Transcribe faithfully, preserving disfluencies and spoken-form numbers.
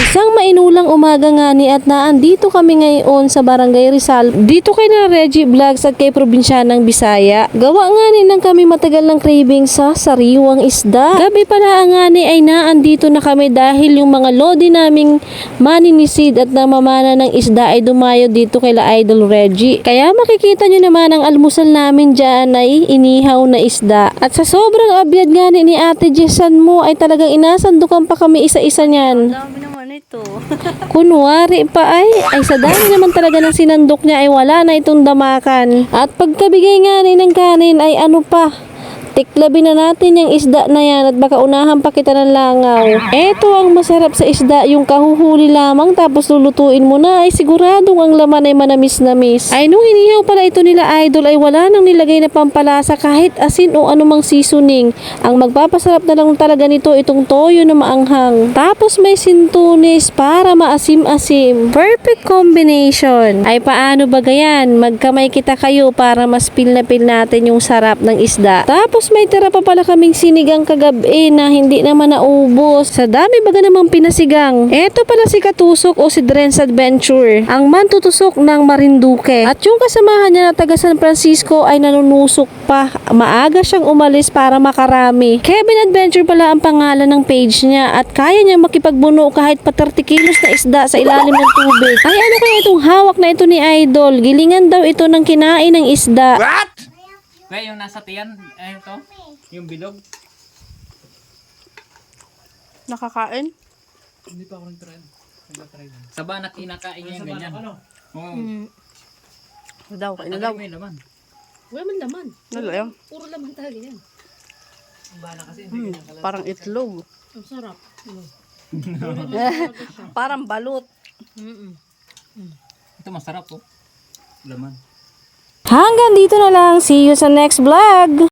Isang mainulang umaga nga ni at naandito kami ngayon sa Barangay Rizal. Dito kay na Reggie Vlogs at kay Probinsyanang Bisaya. Gawa nga ni nang kami matagal ng craving sa sariwang isda. Gabi pala nga ni ay naandito na kami dahil yung mga lodi naming maninisid at namamana ng isda ay dumayo dito kay la Idol Reggie. Kaya makikita nyo naman ang almusal namin dyan ay inihaw na isda. At sa sobrang abyad nga ni, ni Ate Jessan mo ay talagang inasandukan pa kami isa-isa niyan. Dami naman ito. Kunwari pa ay, ay sa dami naman talaga ng sinandok niya ay wala na itong damakan. At pagkabigay nga ni ng kanin ay ano pa, tiklabi na natin yung isda na yan at baka unahan pa kita ng langaw. Eto ang masarap sa isda, yung kahuhuli lamang tapos lulutuin mo na ay siguradong ang laman ay manamis-namis. Ay nung inihaw pala ito nila Idol ay wala nang nilagay na pampalasa kahit asin o anumang seasoning. Ang magpapasarap na lang talaga nito itong toyo na maanghang. Tapos may sintunis para maasim-asim. Perfect combination. Ay paano ba gayan? Magkamay kita kayo para mas feel na feel natin yung sarap ng isda. Tapos may tira pa pala kaming sinigang kagabi na hindi naman naubos. Sa dami baga namang pinasigang. Eto pala si Katusok o si Dren's Adventure, ang mantutusok ng Marinduque. At yung kasamahan niya na taga San Francisco ay nanunusok pa. Maaga siyang umalis para makarami. Kevin Adventure pala ang pangalan ng page niya at kaya niya makipagbuno kahit pa thirty kilos na isda sa ilalim ng tubig. Ay ano kaya itong hawak na ito ni Idol? Gilingan daw ito ng kinain ng isda. What? Kaya yung nasa tiyan, eh ito, yung bilog. Nakakain? Hindi pa ako nag-try. Nag-try lang. Sa banak kinakain niya yung ganyan. Oo. Hmm. Daw, kain na daw. May laman. Wala man laman. Wala yan. Puro laman talaga yan. Ang bala kasi hindi Hmm, ganyan kalala. parang itlog. Ang sarap. Parang balot. Mm-mm. Ito masarap po. Laman. Hanggang dito na lang. See you sa next vlog!